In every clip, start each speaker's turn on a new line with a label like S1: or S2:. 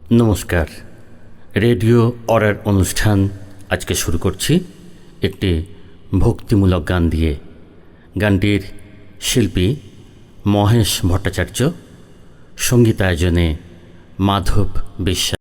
S1: নমস্কার। রেডিও অরার অনুষ্ঠান আজকে শুরু করছি একটি ভক্তিমূলক গান দিয়ে। গানটির শিল্পী মহেশ ভট্টাচার্য, সঙ্গীতায়োজনে মাধব বিশ্বাস।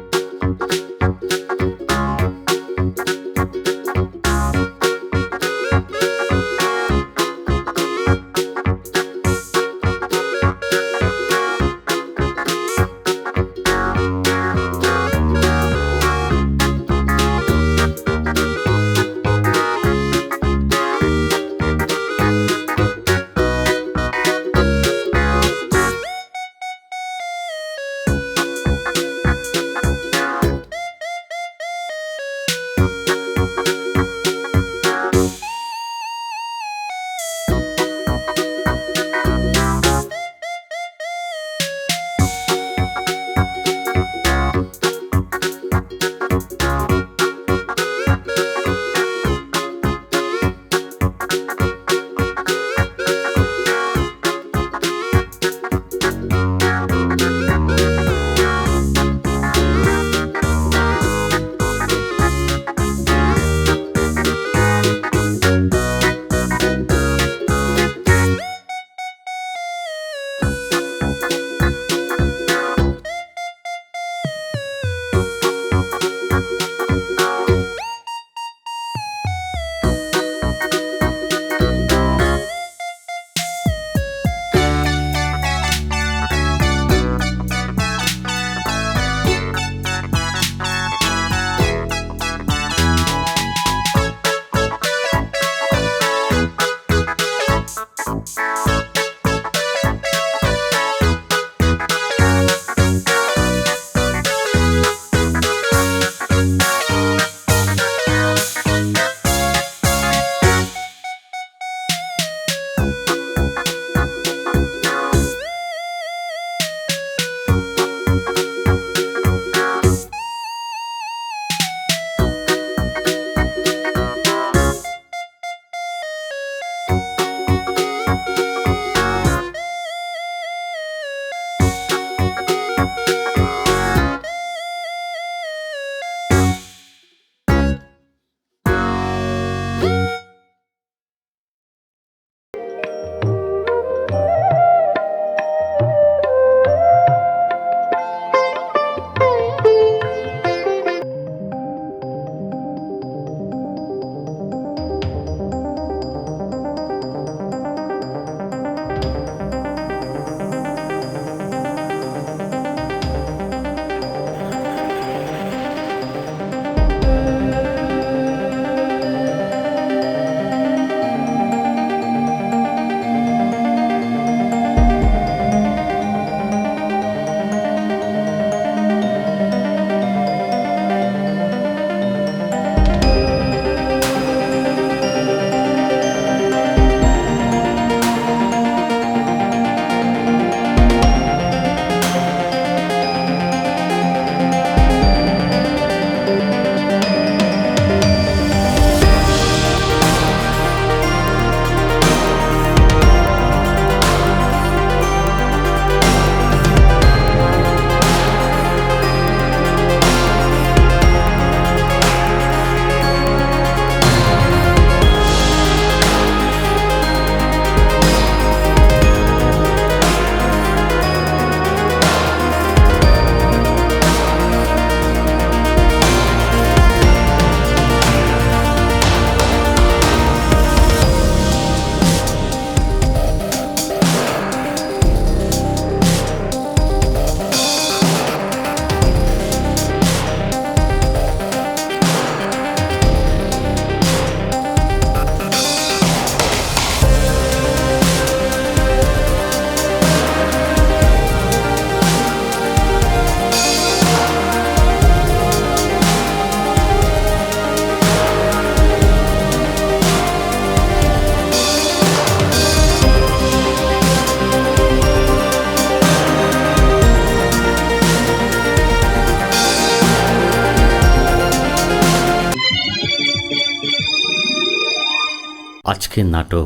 S1: আজকের নাটক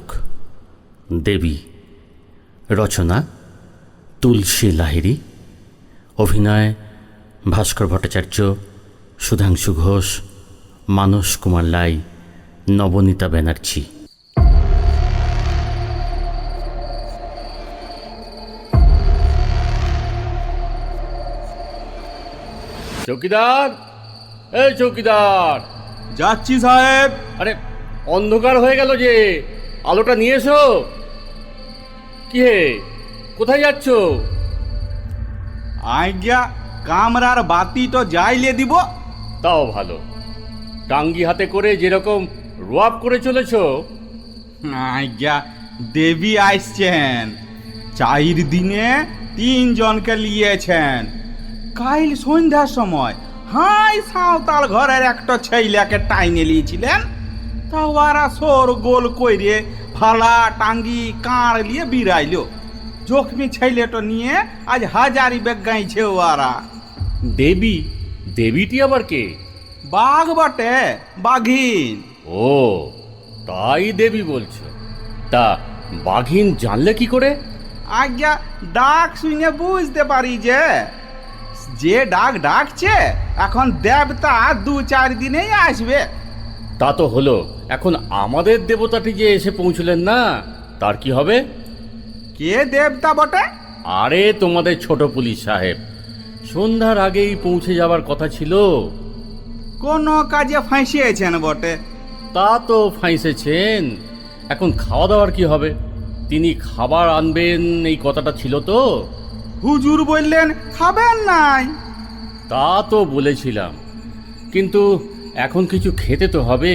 S1: দেবী, রচনা তুলসী লাহিড়ী, অভিনয় ভাস্কর ভট্টাচার্য, সুধাংশু ঘোষ, মানস কুমার লাই, নবনীতা ব্যানার্জি। চৌকিদার, এই চৌকিদার!
S2: যাচ্ছি সাহেব।
S1: আরে অন্ধকার হয়ে গেল যে, আলোটা নিয়ে এসো। কি হে, কোথায় যাচ্ছ?
S2: আজ্ঞা, কামরার বাতি তো জ্বাইলে দিব।
S1: তাও ভালো, টাঙ্গি হাতে করে যেরকম রোয়াব করে চলেছ।
S2: আজ্ঞা, দেবী আসছেন, 4 দিনে 3 জনকে নিয়েছেন। কাল সন্ধ্যার সময় হাই সাঁওতাল ঘরের একটা ছেলেকে টাইনে নিয়েছিলেন, তা ওরা সোর গোল কইরে ফালা টাঙ্গি কাঁড় নিয়ে বিরাইল। জখমি ছেলেটা নিয়ে আজ হাজারি বেগ গাইছে ওরা।
S1: দেবী? দেবীটি আবার কে?
S2: বাঘ বটে, বাঘিন।
S1: ও, তাই দেবী বলছো? তা বাঘিন জানলে কি করে?
S2: আজ্ঞা, ডাক শুনে বুঝতে পারি যে যে ডাক ডাকছে এখন দেবতা 2-4 দিনেই আসবে।
S1: তা তো হলো, এখন আমাদের দেবতাটি যে এসে পৌঁছলেন না, তার কি হবে?
S2: কে দেবতা বটে?
S1: আরে তোমাদের ছোট পুলিশ সাহেব, সন্ধ্যার আগেই পৌঁছে যাবার কথা ছিল।
S2: কোন কাজে ফাঁসিয়েছেন বটে?
S1: তা তো ফাঁসেছেন, এখন খাওয়া দাওয়ার কি হবে? তিনি খাবার আনবেন এই কথাটা ছিল তো।
S2: হুজুর বললেন খাবেন নাই।
S1: তা তো বলেছিলাম, কিন্তু এখন কিছু খেতে তো হবে।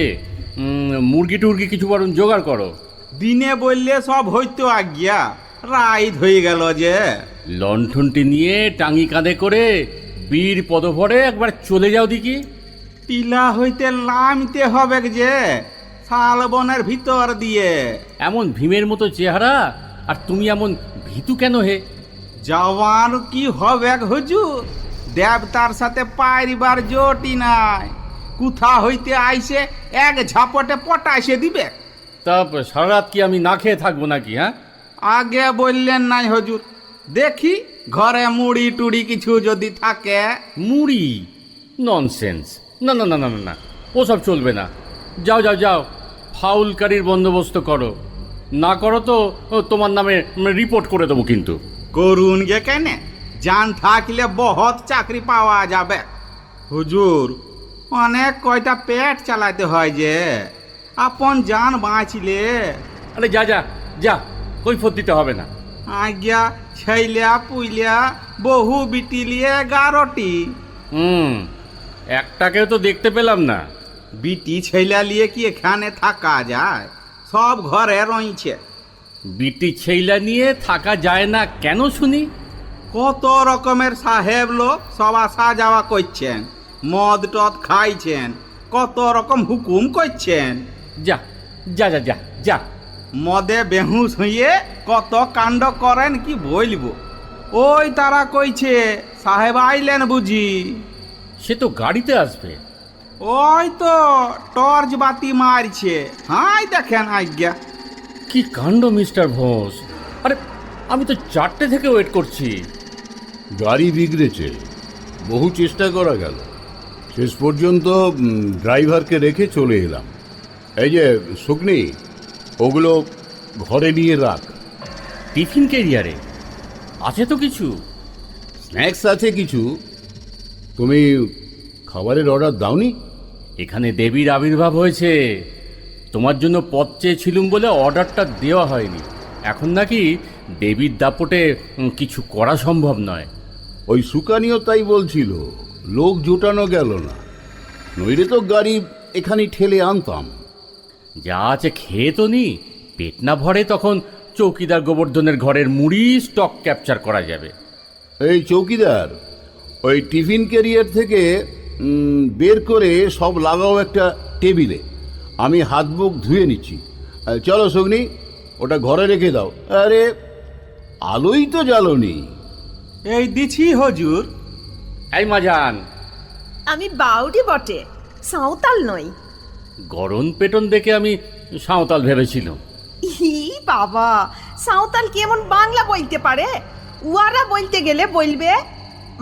S1: মুরগি টুরগি কিছু বরং জোগাড় করো।
S2: দিনে বললে সব হইতো আজ্ঞা, রাইত হয়ে গেল যে।
S1: লণ্ঠনটি নিয়ে টাঙ্গি কাঁধে করে বীর পদভরে একবার চলে যাও দেখি।
S2: টিলা হইতে নামতে হবে যে, শালবনের ভিতর দিয়ে।
S1: এমন ভীমের মতো চেহারা, আর তুমি এমন ভীতু কেন হে?
S2: জওয়ান কি হবে হুজুর, দেবতার সাথে পারিবার জোটি নাই। কোথা হইতে আইসে এক ঝাপটে পটাইসে দিবে।
S1: তা সারা রাত কি আমি না খেয়ে থাকবো নাকি? হ্যাঁ,
S2: আগে বললেন নাই হুজুর, দেখি ঘরে মুড়ি টুড়ি কিছু যদি থাকে।
S1: মুড়ি? ননসেন্স! না না না না না না, ওসব চলবে না। যাও যাও যাও, ফাউলকারীর বন্দোবস্ত করো। না করো তো তোমার নামে রিপোর্ট করে দেবো কিন্তু।
S2: করুন গে কেন, জান থাকলে বহুত চাকরি পাওয়া যাবে। হুজুর, অনেক কয়টা পেট চালাতে হয় যে, আপন জান বাঁচলে।
S1: আরে যা যা যা, কৈফত দিতে হবে না।
S2: আজ্ঞা, ছেলা পুইলা বহু বিটিলিয়ে 11টি।
S1: একটাকেও তো দেখতে পেলাম না।
S2: বিটি ছেলা লিয়ে কি এখানে থাকা যায়? সব ঘরে রইছে।
S1: বিটি ছেইলা নিয়ে থাকা যায় না কেন শুনি?
S2: কত রকমের সাহেব লোক সব আসা যাওয়া করছেন, মদ টদ খাইছেন, কত রকম হুকুম করছেন।
S1: যা যা যা যা যা।
S2: মদে বেহুশ হইয়ে কত কাণ্ড করেন কি বলবো। ওই তারা কইছে সাহেব আইলেন বুঝি।
S1: সে তো গাড়িতে আসবে।
S2: ওই তো টর্চ বাতি মারছে, হাই দেখেন আজ্ঞা।
S1: কি কাণ্ড মিস্টার ঘোষ! আরে আমি তো 4টে থেকে ওয়েট করছি।
S3: গাড়ি বিগড়েছে, বহু চেষ্টা করা গেল, শেষ পর্যন্ত ড্রাইভারকে রেখে চলে এলাম। এই যে শুকনি, ওগুলো ঘরে নিয়ে রাখ।
S1: টিফিন ক্যারিয়ারে আছে তো কিছু?
S3: স্ন্যাক্স আছে কিছু। তুমি খাবারের অর্ডার দাওনি?
S1: এখানে দেবীর আবির্ভাব হয়েছে, তোমার জন্য পথ চেয়েছিলুম বলে অর্ডারটা দেওয়া হয়নি। এখন নাকি দেবীর দাপটে কিছু করা সম্ভব নয়।
S3: ওই সুকানিও তাই বলছিল, লোক জোটানো গেল না, নইলে তো গাড়ি এখানে ঠেলে আনতাম।
S1: যা আছে খেয়ে তো নি, পেট না ভরে তখন চৌকিদার গোবর্ধনের ঘরের মুড়ি স্টক ক্যাপচার করা যাবে।
S3: এই চৌকিদার, ওই টিফিন ক্যারিয়ার থেকে বের করে সব লাগাও একটা টেবিলে, আমি হাত মুখ ধুয়ে নিচ্ছি। চলো সগ্নি, ওটা ঘরে রেখে দাও। আরে আলোই তো জ্বালোনি।
S2: এই দিছি হুজুর।
S1: এই মাজান,
S4: আমি বাউরি বটে, সাঁওতাল নই।
S1: গরম পেটন দেখে আমি সাঁওতাল ভেবেছিলাম।
S4: ই বাবা, সাঁওতাল কেমন বাংলা বলতে পারে? উয়ারা বলতে গেলে বলবে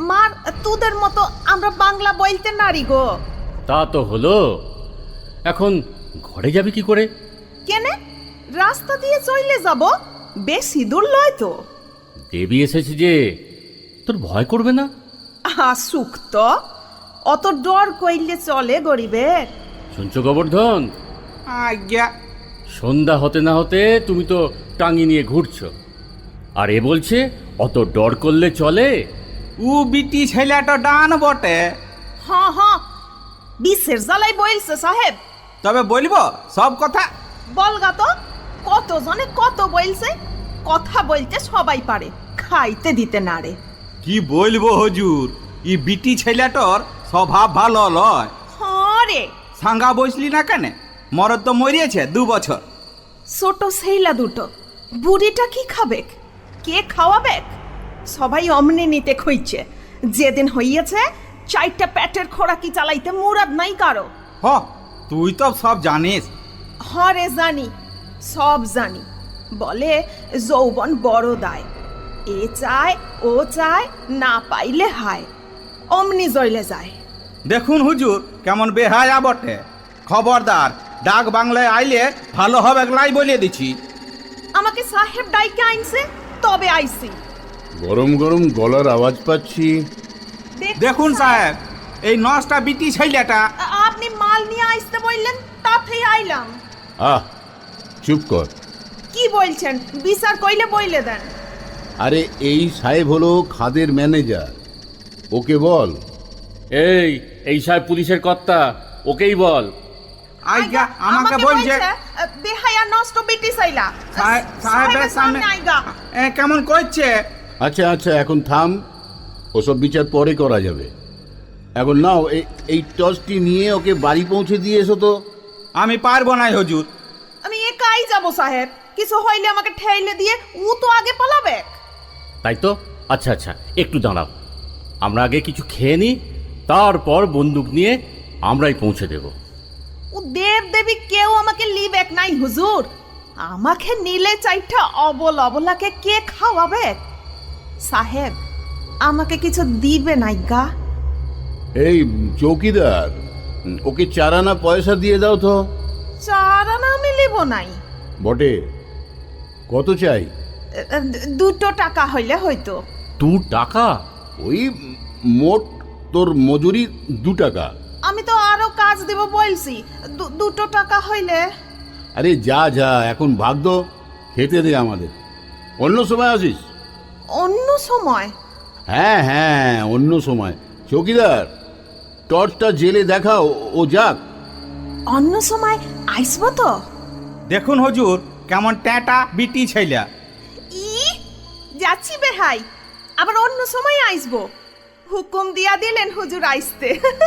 S4: মার তোদের মতো আমরা বাংলা বলতে নারি গো।
S1: তা তো হলো, এখন ঘরে যাবি কি করে?
S4: কেনে রাস্তা দিয়ে চলে যাব, বেশি দূর লয় তো।
S1: দেবী এসেছে যে, তোর ভয় করবে না?
S4: সুখ তো, অত ডর কইলে চলে গরিবের।
S1: শুনছো গোবর্ধন,
S2: আজ্ঞা।
S1: সন্ধ্যা হতে না হতে তুমি তো টাঙি নিয়ে ঘুরছো, আর এ বলছে অত ডর করলে চলে?
S2: উ বিটি ছেলেটা ডান বটে,
S4: হ্যাঁ হ্যাঁ, বিশ্বের জ্বালাই বলছে সাহেব।
S2: তবে বলবো সব কথা।
S4: বলগা তো, কত জনে কত বলছে, কথা বলতে সবাই পারে, খাইতে দিতে নারে।
S2: কি বলবো হুজুর, ই বিটি ছেলেটার স্বভাব ভালো লয়।
S4: হ্যাঁ রে,
S2: সাঙ্গা বসলি না কেন? মরদ তো মরিয়েছে 2 বছর।
S4: ছোট সেইলা দুটো, বুড়িটা কি খাবে, কে খাওয়াবে? সবাই অমনি নিতে খুঁজছে, যেদিন হইয়াছে 4টা পেটের খোরাকি চালাইতে মুরাদ নাই কারো।
S2: হ, তুই তো সব জানিস।
S4: হরে জানি, সব জানি। বলে যৌবন বড় দায়, এ চায় ও চায়, না পাইলে হায়, অমনি জইলে যায়।
S2: দেখুন হুজুর কেমন বেহায়া বটে। খবরদার, ডাক বাংলায় আইলে ভালো হবে লাই বলে দিছি।
S4: আমাকে সাহেব ডাইকে আইনছে, তবে আইসি।
S3: গরম গরম গলার আওয়াজ পাচ্ছি।
S2: দেখুন সাহেব, এই 9টা বিটি ছেলেটা।
S4: আপনি মাল নিয়ে আসতে বললেন, তাতেই আইলাম।
S3: আহ, চুপ কর।
S4: কি বলছেন, বিচার কইলে বইলে দেন।
S3: আরে এই সাহেব হলো খাদের ম্যানেজার, ওকে বল।
S1: এই সাহেব পুলিশের কর্তা, ওকেই বল।
S2: আইগা আমাকে বলছে
S4: বেহায়া নষ্ট বিটি সাইলা।
S2: সাহেবের সামনে
S4: আইগা
S2: কেমন করছে।
S3: আচ্ছা আচ্ছা, এখন থাম, ওসব বিচার পরে করা যাবে। এখন নাও এই টর্চটি নিয়ে ওকে বাড়ি পৌঁছে দিয়ে এসো তো।
S2: আমি পারবো না হুজুর।
S4: আমি একাই যাব সাহেব, কিছু হইলে আমাকে ঠেইলে দিয়ে ও তো আগে পালাবে।
S1: তাই তো? আচ্ছা আচ্ছা, একটু দাঁড়াও, আমরা আগে কিছু খেয়ে নিই, তারপর বন্দুক নিয়ে আমরাই পৌঁছে দেব।
S4: ও দেব দেবী কেউ আমাকে লিবেক নাই হুজুর, আমাকে নিলে 4টা অবল অবলাকে কে খাওয়াবে? সাহেব আমাকে কিছু দিবে নাই গা?
S3: এই চৌকিদার, ওকে 4 আনা পয়সা দিয়ে দাও তো।
S4: 4 আনা আমি লিব নাই।
S3: বটে, কত চাই?
S4: 2 টাকা হইলে হয়তো।
S1: 2 টাকা?
S3: ওই মোট তোর মজুরি 2 টাকা।
S4: আমি তো আরো কাজ দেব বলছি, 2 টাকা হইলে।
S3: আরে যা যা, এখন ভাগ দো, খেতে দে আমাদের, অন্য সময় আসিস।
S4: অন্য সময়?
S3: হ্যাঁ হ্যাঁ, অন্য সময়। চৌকিদার, টর্চটা জেলে দেখাও, ও যাক।
S4: অন্য সময় আইসব তো?
S2: দেখুন হুজুর কেমন ট্যাটা বিটি ছেলে।
S4: ই যাচ্ছি বেহাই, আবার অন্য সময় আইসবো। হুকুম দিয়া দিলেন হুজুর আইসতে।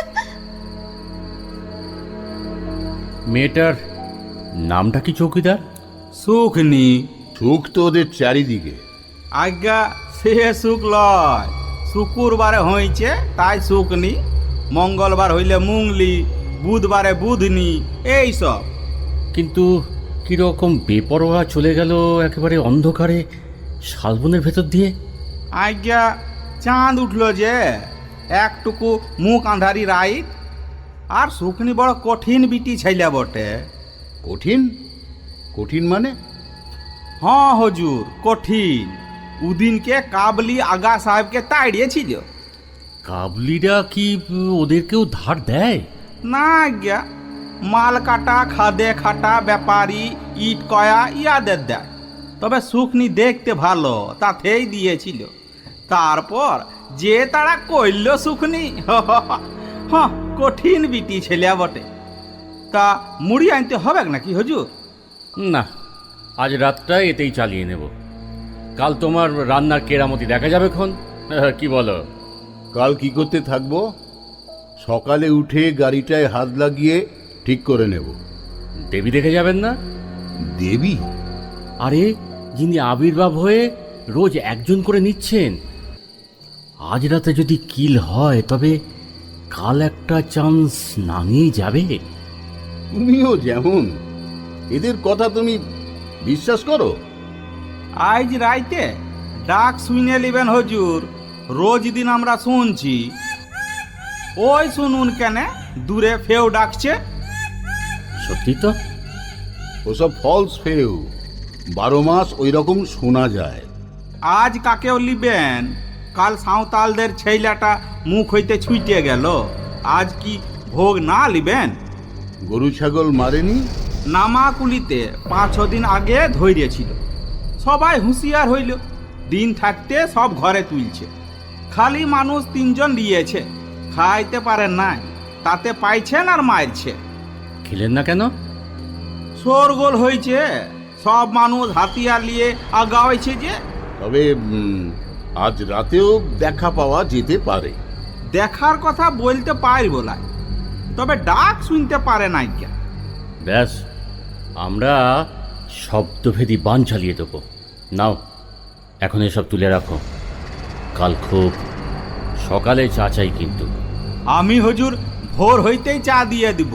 S1: মেয়েটার নামটা কি চৌকিদার?
S2: সুখনি।
S3: সুখ তো ওদের চারিদিকে।
S2: আজ্ঞা সে সুখ লয়, শুক্রবারে হয়েছে তাই সুখনি, মঙ্গলবার হইলে মুংলি, বুধবারে বুধনি, এই সব।
S1: কিন্তু কিরকম বেপরোয়া চলে গেল একেবারে অন্ধকারে শালবনের ভেতর দিয়ে।
S2: আজ্ঞা চাঁদ উঠলো যে, একটুকু মুখ আঁধারি রাইত। আর সুখনি বড় কঠিন বিটি ছেলে বটে।
S3: কঠিন? কঠিন মানে?
S2: হ্যাঁ হুজুর, কঠিন। উদিনকে কাবলি আগা সাহেবকে তাড়িয়েছিল।
S1: কাবলিরা কি ওদেরকেও ধার দেয়?
S2: না আজ্ঞা, মাল কাটা, খাদে খাটা ব্যাপারী, ইট কয়া ইয়াদের দেয়। তবে সুখনি দেখতে ভালো, তাতেই দিয়েছিল। তারপর যে তারা কইল সুখনি, হ্যাঁ কঠিন বিটি ছেলে বটে। তা মুড়ি আনতে হবে নাকি হুজুর?
S1: না, আজ রাতটা এতেই চালিয়ে নেব, কাল তোমার রান্নার কেরামতি দেখা যাবে খন। কি বলো?
S3: কাল কি করতে থাকবো? সকালে উঠে গাড়িটায় হাত লাগিয়ে ঠিক করে নেব।
S1: দেবী দেখে যাবেন না?
S3: দেবী?
S1: আরে, যিনি আবির্ভাব হয়ে রোজ একজন করে নিচ্ছেন, আজ রাতে যদি কিল হয় তবে কাল একটা চান্স নামিয়ে যাবে।
S3: তুমিও যেমন, এদের কথা তুমি বিশ্বাস করো?
S2: আজ রাইতে ডাক শুনে লিবেন হুজুর, রোজ দিন আমরা শুনছি। ওই শুনুন কেন, দূরে ফেউ ডাকছে।
S1: সত্যি তো।
S3: ওসব ফলস ফেউ, 12 মাস ওই রকম শোনা যায়।
S2: আজ কাকেও লিবেন, কাল সাঁওতালদের ছেলেটা মুখ হইতে ছুটে গেল, আজ কি ভোগ না লিবেন?
S3: গরু ছাগল মারেনি?
S2: নামাকুলিতে 5-6 দিন আগে ধৈর্যছিল, সবাই হুঁশিয়ার হইল, দিন থাকতে সব ঘরে তুলছে। খালি মানুষ 3 জন দিয়েছে, খাইতে পারেন নাই, তাতে পাইছেন আর মারছে।
S1: খেলেন না কেন?
S2: শোরগোল হয়েছে, সব মানুষ হাতিয়ার নিয়ে আগাওয়াইছে যে।
S3: তবে আজ রাতেও দেখা পাওয়া যেতে পারে।
S2: দেখার কথা বলতে পারব না, তবে ডাক শুনতে পারে নাই কে।
S1: ব্যাস, আমরা শব্দভেদী বান চালিয়ে দেবো। নাও, এখন এসব তুলে রাখো, কাল খুব সকালে চা চাই কিন্তু।
S2: আমি হুজুর ভোর হইতেই চা দিয়ে দিব।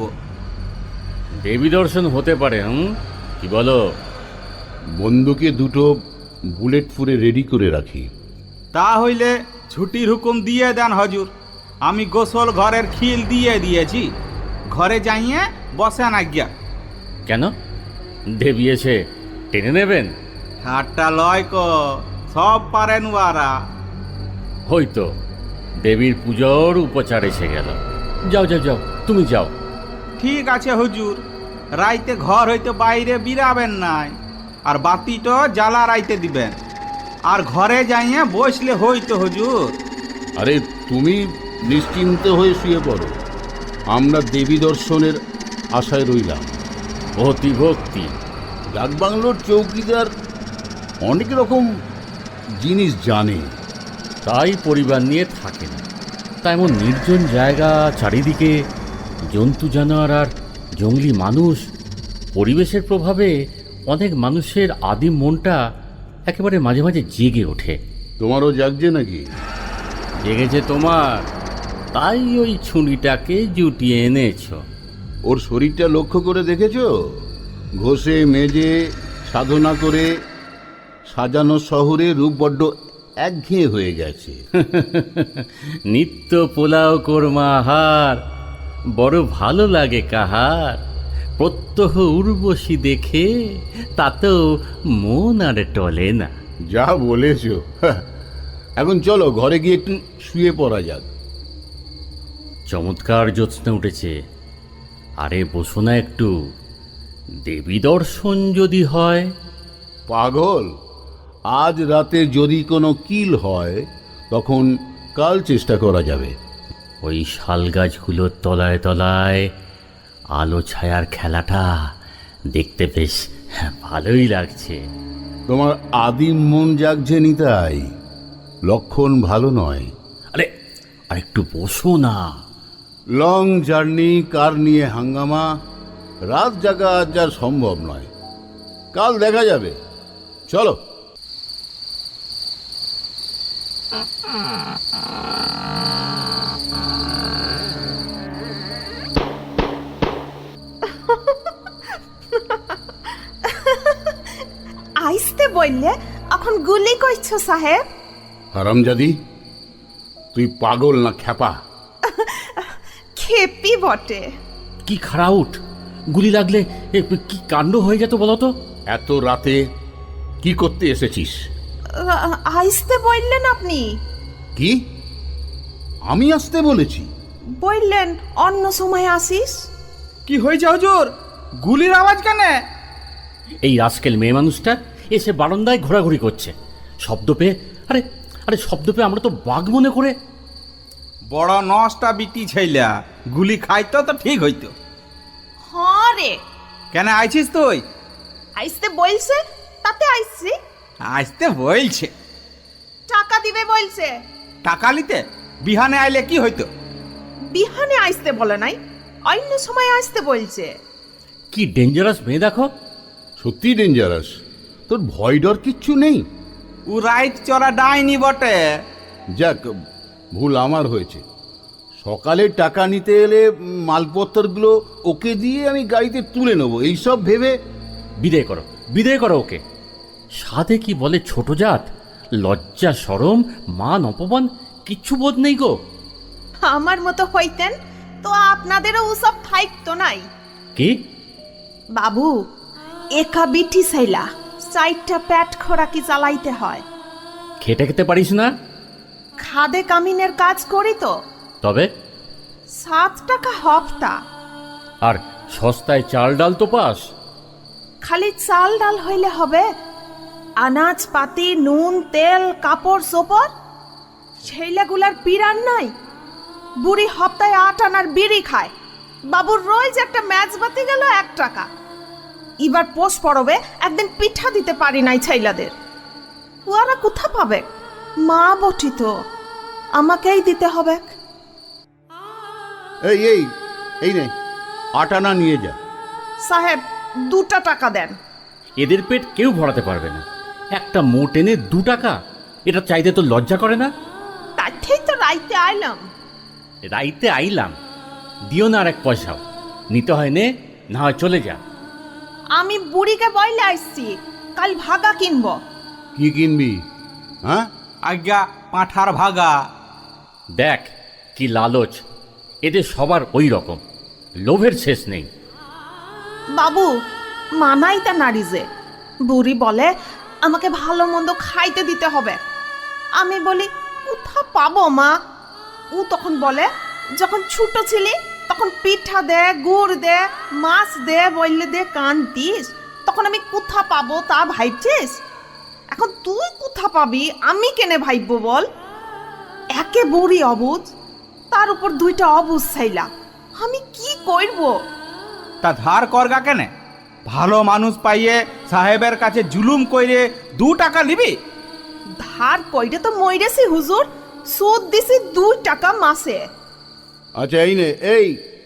S1: দেবী দর্শন হতে পারে, কি বলো?
S3: বন্দুকে 2টো বুলেট পুরে রেডি করে রাখি।
S2: তা হইলে ছুটির হুকুম দিয়ে দেন হজুর। আমি গোসল ঘরের খিল দিয়ে দিয়েছি, ঘরে যাইয়ে বসেন আজ্ঞা।
S1: কেন? দেবী এসে টেনে নেবেন?
S2: ঠাট্টা লয় ক, সব পারেন ওয়ারা।
S1: হয়তো দেবীর পুজোর উপচার এসে গেল। যাও যাও যাও, তুমি যাও।
S2: ঠিক আছে হুজুর, রাইতে ঘর হইতে বাইরে বিরাবেন নাই, আর বাতিটা জ্বালা রাইতে দিবেন, আর ঘরে যাইয়ে বসলে হইতো হুজুর।
S3: আরে তুমি নিশ্চিন্ত হয়ে শুয়ে পড়ো, আমরা দেবী দর্শনের আশায় রইলাম।
S1: অতি ভক্তি।
S3: ডাকবাংলোর চৌকিদার অনেক রকম জিনিস জানে।
S1: তাই পরিবার নিয়ে থাকে না। তা এমন নির্জন জায়গা, চারিদিকে জন্তু জানোয়ার আর জঙ্গলি মানুষ, পরিবেশের প্রভাবে অনেক মানুষের আদিম মনটা একেবারে মাঝে মাঝে জেগে ওঠে।
S3: তোমারও জাগছে নাকি?
S1: জেগেছে তোমার, তাই ওই ছুরিটাকে জুটিয়ে এনেছো।
S3: ওর শরীরটা লক্ষ্য করে দেখেছো? ঘষে মেজে সাধনা করে সাজানো শহরে রূপ বড্ড একঘেয়ে হয়ে গেছে।
S1: নিত্য পোলাও কোরমা আহার বড় ভালো লাগে কাহার, প্রত্যহ উর্বশী দেখে তাতেও মন আর টলে না।
S3: যা বলেছো। এখন চলো ঘরে গিয়ে একটু শুয়ে পড়া যাক।
S1: চমৎকার জ্যোৎস্না উঠেছে। আরে বসো না একটু, দেবী দর্শন যদি হয়।
S3: পাগল, আজ রাতে যদি কোনো কিল হয় তখন কাল চেষ্টা করা যাবে।
S1: ওই শাল গাছগুলোর তলায় তলায় আলো ছায়ার খেলাটা দেখতে বেশ ভালোই লাগছে।
S3: তোমার আদিম মন জাগছে নিতাই, লক্ষণ ভালো নয়।
S1: আরে আর একটু বসো না।
S3: লং জার্নি, কার নিয়ে হাঙ্গামা, রাত জাগা আজ আর সম্ভব নয়। কাল দেখা যাবে, চলো।
S4: আইসতে বললে এখন গুলি কইছো সাহেব?
S3: হারামজাদি, তুই পাগল না খ্যাপা?
S4: খেপি বটে।
S1: কি খারাউট, গুলি লাগলে কি কাণ্ড হয়ে যেত বলো তো।
S3: এত রাতে কি করতে এসেছিস?
S4: আইসতে বললেন আপনি?
S3: কি আমি আসতে বলেছি?
S4: বললেন অন্য সময় আসিস।
S2: কি হয়েছে হুজুর, গুলির আওয়াজ কেন?
S1: এই রাস্কেল মেয়ে মানুষটা এসে বারান্দায় ঘোরাঘুরি করছে, শব্দ পেয়ে। আরে আরে শব্দ পেয়ে আমরা তো বাঘ মনে করে।
S2: বড় নষ্টা বিটি ছেলা, গুলি খাইতো তো ঠিক হইতো।
S4: হ্যাঁ রে,
S2: কেন আইছিস তুই?
S4: আইসতে বলছে তাতে আইসছি।
S2: আসতে বলছে?
S4: টাকা দিবে বলছে।
S2: টাকা নিতে বিহানে আইলে কি হইতো?
S4: বিহানে আইসতে বলে নাই, অন্য সময় আসতে বলছে।
S1: কি ডেঞ্জারাস মেয়ে দেখো।
S3: সত্যি ডেঞ্জারাস। তোর ভয় ডর কিচ্ছু নেই?
S2: ও রাইট চড়া ডাইনি বটে।
S3: যাক, ভুল আমার হয়েছে। সকালে টাকা নিতে এলে মালপত্রগুলো ওকে দিয়ে আমি গাড়িতে তুলে নেবো, এইসব ভেবে।
S1: বিদায় করো, বিদায় করো ওকে। সাধে কি বলে ছোট জাত, লজ্জা সরম মান অপমান কিচ্ছু বোধ নেই গো।
S4: আমার মতো হইতেন তো আপনাদেরও ওসব থাইতো নাই।
S1: কি?
S4: বাবু, একা বিটি সাইলা 4টা পেট খোরাকি চালাইতে হয়।
S1: খেটে খেতে পারিস না?
S4: খাদে কামিনের কাজ করি তো।
S1: তবে
S4: 7 টাকা হপ্তা।
S1: আর সস্তায় চাল ডাল তো পাস।
S4: খালি চাল ডাল হইলে হবে? আনাজ পাতি, নুন তেল, কাপড় চোপড় সেইলাগুলার পিরান নাই। বুড়ি হপ্তায় 8 আনার বিড়ি খায়। বাবুর রোজ একটা ম্যাচ বাতি গেল 1 টাকা। এবার পোষ পড়বে, একদিন পিঠা দিতে পারি নাই ছেলেদের। ওরা কোথা পাবে? মা বটি তো, আমাকেই দিতে হবে।
S3: এই এই এই নে 8 আনা নিয়ে যা।
S4: সাহেব 2 টাকা দেন।
S1: এদের পেট কেউ ভরাতে পারবে না। একটা মোট এনে 2 টাকা, এটা চাইতে তো লজ্জা করে না?
S4: তার থেকেই তো রাইতে আইলাম।
S1: রাইতে আইলাম, দিও না আর 1 পয়সাও। নিতে হয় নে, না হয় চলে যা।
S4: আমি বুড়িকে বইলে আসছি, কাল ভাগা কিনবো।
S3: কি কিনবি? হ্যাঁ,
S2: আজ্ঞা পাঁঠার ভাগা।
S1: দেখ কি লালচ, এদের সবার ওই রকম, লোভের শেষ নেই।
S4: বাবু, মানাই তা নারী যে। বুড়ি বলে আমাকে ভালো মন্দ খাইতে দিতে হবে। আমি বলি কোথা পাবো মা? ও তখন বলে যখন ছোট ছিলি তখন পিঠা দে, গুড় দে, মাছ দে বললে দে কান দিস। তখন আমি কোথা পাবো তা ভাবছিস? এখন তুই কোথা পাবি আমি কেনে ভাববো বল? একে বুড়ি অবুঝ, তার উপর 2টা অবুঝ ছাইলা, আমি কি করব?
S2: তা ধার করগা কেনে? ভালো মানুষ পাইয়ে সাহেবের কাছে জুলুম কইরে 2 টাকা নিবি?
S4: ধার কইরে তো মইরেছি হুজুর, সুদ দিছি 2 টাকা মাসে।
S3: আচ্ছা এই নে, এই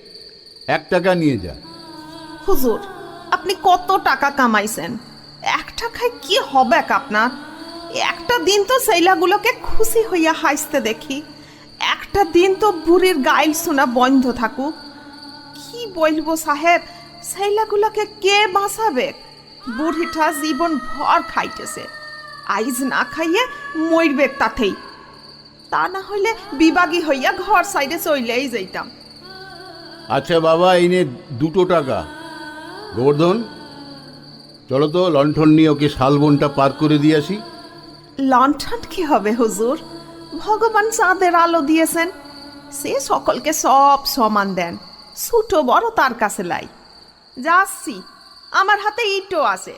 S3: 1 টাকা নিয়ে যা।
S4: হুজুর, আপনি কত টাকা কামাইছেন? 1 টাকায় কি হবে আপনার? একটা দিন তো সেইলাগুলোকে খুশি হইয়া হাসতে দেখি। একটা দিন তো বুড়ির গাইল শোনা বন্ধ থাকুক। কি বলবো সাহেব, সেইলাগুলোকে কে বাঁচাবে? বুড়িটা জীবন ভর খাইতেছে, আইজ না খাইয়ে মরবে তাতেই। তা না হইলে বিবাগী হইয়া ঘর সাইডে চইলেই যাইতাম।
S3: আচ্ছা বাবা, এই নে 2 টাকা। গোবর্ধন, চলো তো লণ্ঠন নিয়ে ওকে শালবনটা পার করে দিয়ে আসি।
S4: লণ্ঠন কি হবে হুজুর? ভগবান চাঁদের আলো দিয়েছেন, সে সকলকে সব সমান দেন। ছোট বড় তার কাছে লাই। যাচ্ছি, আমার হাতে ইটও আছে।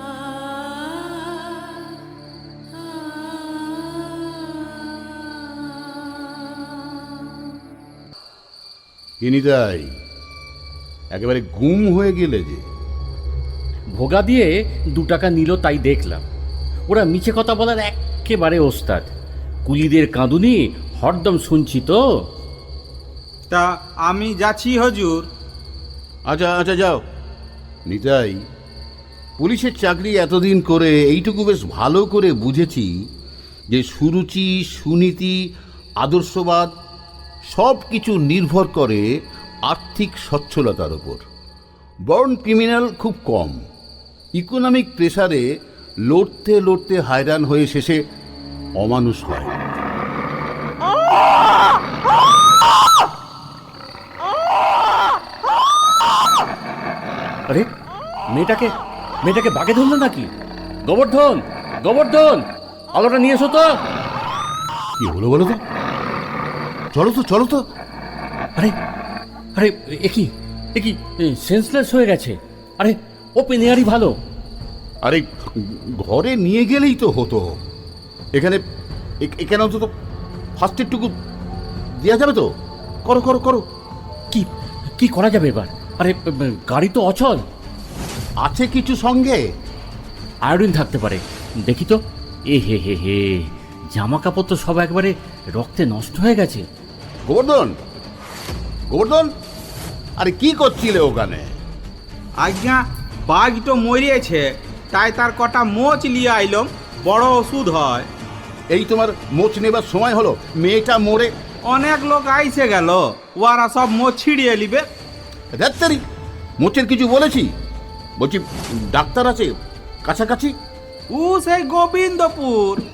S3: কিনিতাই একেবারে গুম হয়ে গেলে যে।
S1: ভোগা দিয়ে 2 টাকা নিল তাই দেখলাম। ওরা মিছে কথা বলার একেবারে ওস্তাদ। কুলিদের কাঁদুনি হরদম শুনছি তো।
S2: তা আমি যাচ্ছি হুজুর।
S3: আচ্ছা আচ্ছা যাও। নিতাই, পুলিশের চাকরি এতদিন করে এইটুকু বেশ ভালো করে বুঝেছি যে সুরুচি, সুনীতি, আদর্শবাদ সব কিছু নির্ভর করে আর্থিক সচ্ছলতার ওপর। বর্ন ক্রিমিনাল খুব কম। ইকোনমিক প্রেসারে লড়তে লড়তে হায়রান হয়ে শেষে অমানুষ হয়।
S1: আরে মেয়েটাকে মেয়েটাকে বাগে ধরলো নাকি? গোবর্ধন, গোবর্ধন, আলোটা নিয়ে এসো তো।
S3: কি হলো বলো তো? চলো তো চলো তো।
S1: আরে আরে একই একই সেন্সলেস হয়ে গেছে। আরে ওপেন এয়ারই ভালো।
S3: আরে ঘরে নিয়ে গেলেই তো হতো। এখানে এখানে অন্তত ফার্স্ট এডটুকু দেওয়া যাবে তো? করো করো করো।
S1: কি কি করা যাবে এবার? আরে গাড়ি তো অচল।
S3: আছে কিছু সঙ্গে?
S1: আয়োডিন থাকতে পারে, দেখি তো। এ হে হে হে, জামা কাপড় তো সব একবারে রক্তে নষ্ট হয়ে গেছে।
S3: গোবর্ধন, গোবর্ধন, আরে কি করছিলে ওখানে?
S2: আজ্ঞা বাঘ তো মরিয়েছে, তাই তার কটা মোচ লিয়ে আইলম, বড় ওষুধ হয়।
S3: এই তোমার মোচ নেবার সময় হলো? মেয়েটা মরে।
S2: অনেক লোক আইসে গেল, ওরা সব মোচ ছিড়িয়ে নিবে।
S3: ডাক্তারি মোচের কিছু বলেছি? বলছি ডাক্তার আছে কাছাকাছি?
S2: ও সেই গোবিন্দপুর।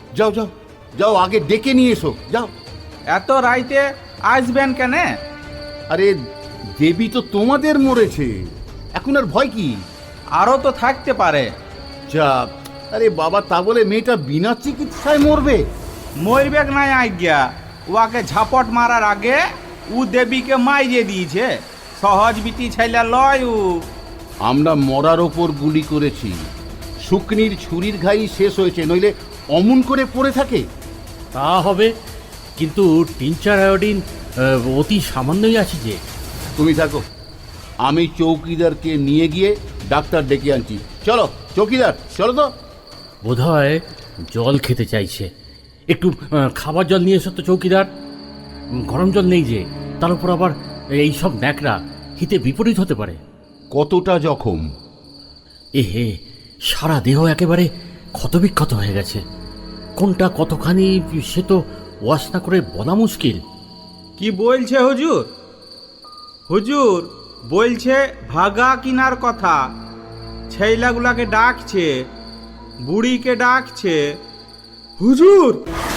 S3: যাও যাও যাও, আগে ডেকে নিয়ে এসো, যাও।
S2: এত রাইতে আসবেন কেন?
S3: আরে দেবী তো তোমাদের মরেছে, এখন আর ভয় কি?
S2: আরও তো থাকতে পারে।
S3: যা, আরে বাবা, তা বলে মেয়েটা বিনা চিকিৎসায় মরবে?
S2: মরবেক নাই আজ্ঞা, ওয়াকে ঝাপট মারার আগে ও দেবীকে মাইরে দিয়েছে। সহজ বিটি ছেলে লয় ও।
S3: আমরা মরার ওপর গুলি করেছি, শুকনির ছুরির ঘাই শেষ হয়েছে, নইলে অমন করে পড়ে থাকে?
S1: তা হবে, কিন্তু টিনচার আয়োডিন অতি সামান্যই আছে যে।
S3: তুমি থাকো, আমি চৌকিদারকে নিয়ে গিয়ে ডাক্তার ডেকে আনছি। চলো চৌকিদার, চলো তো।
S1: বোধহয় জল খেতে চাইছে, একটু খাবার জল নিয়ে এসো তো চৌকিদার। গরম জল নেই যে, তার উপর আবার এই সব ন্যাকড়া, হিতে বিপরীত হতে পারে।
S3: কতটা জখম?
S1: হে, সারা দেহ একেবারে ক্ষতবিক্ষত হয়ে গেছে। কোনটা কতখানি সে তো ওয়াশ না করে বলা মুশকিল।
S2: কি বলছে হুজুর? হুজুর বলছে ভাগা কিনার কথা, ছেলেগুলাকে ডাকছে, বুড়িকে ডাকছে। হুজুর!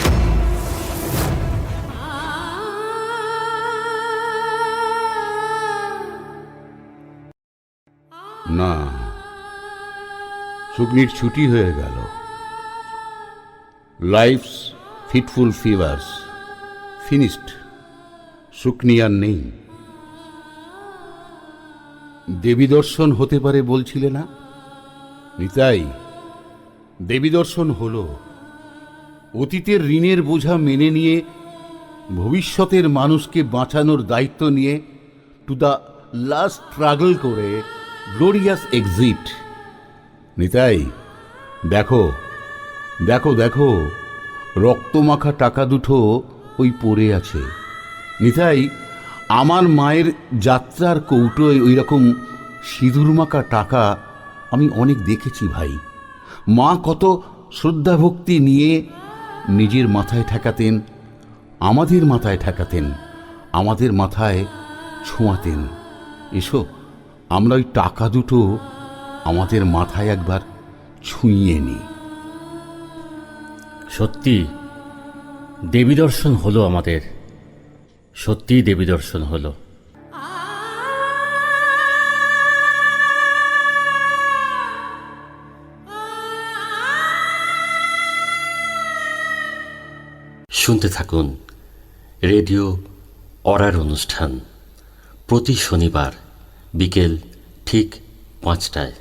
S3: না, শুকনির ছুটি হয়ে গেল। Life's fitful fever's finished. Shukni আর নেই। দেবী দর্শন হতে পারে বলছিলে না নিতাই? দেবী দর্শন হলো। অতীতের ঋণের বোঝা মেনে নিয়ে ভবিষ্যতের মানুষকে বাঁচানোর দায়িত্ব নিয়ে টু দ্য লাস্ট স্ট্রাগল করে গ্লোরিয়াস এক্সিট। নিতাই, দেখো দেখো দেখো, রক্তমাখা টাকা দুটো ওই পড়ে আছে। নিতাই, আমার মায়ের যাত্রার কৌটোয় ওই রকম সিঁদুর মাখা টাকা আমি অনেক দেখেছি ভাই। মা কত শ্রদ্ধা ভক্তি নিয়ে নিজের মাথায় ঠেকাতেন, আমাদের মাথায় ঠেকাতেন, আমাদের মাথায় ছোঁয়াতেন। এসো, আমরা ওই টাকা দুটো আমাদের মাথায় একবার ছুঁয়ে নিই।
S1: সত্যি দেবী দর্শন হলো আমাদের, সত্যিই দেবী দর্শন হলো। শুনতে থাকুন রেডিও অরার অনুষ্ঠান প্রতি শনিবার বিকেল ঠিক 5টায়।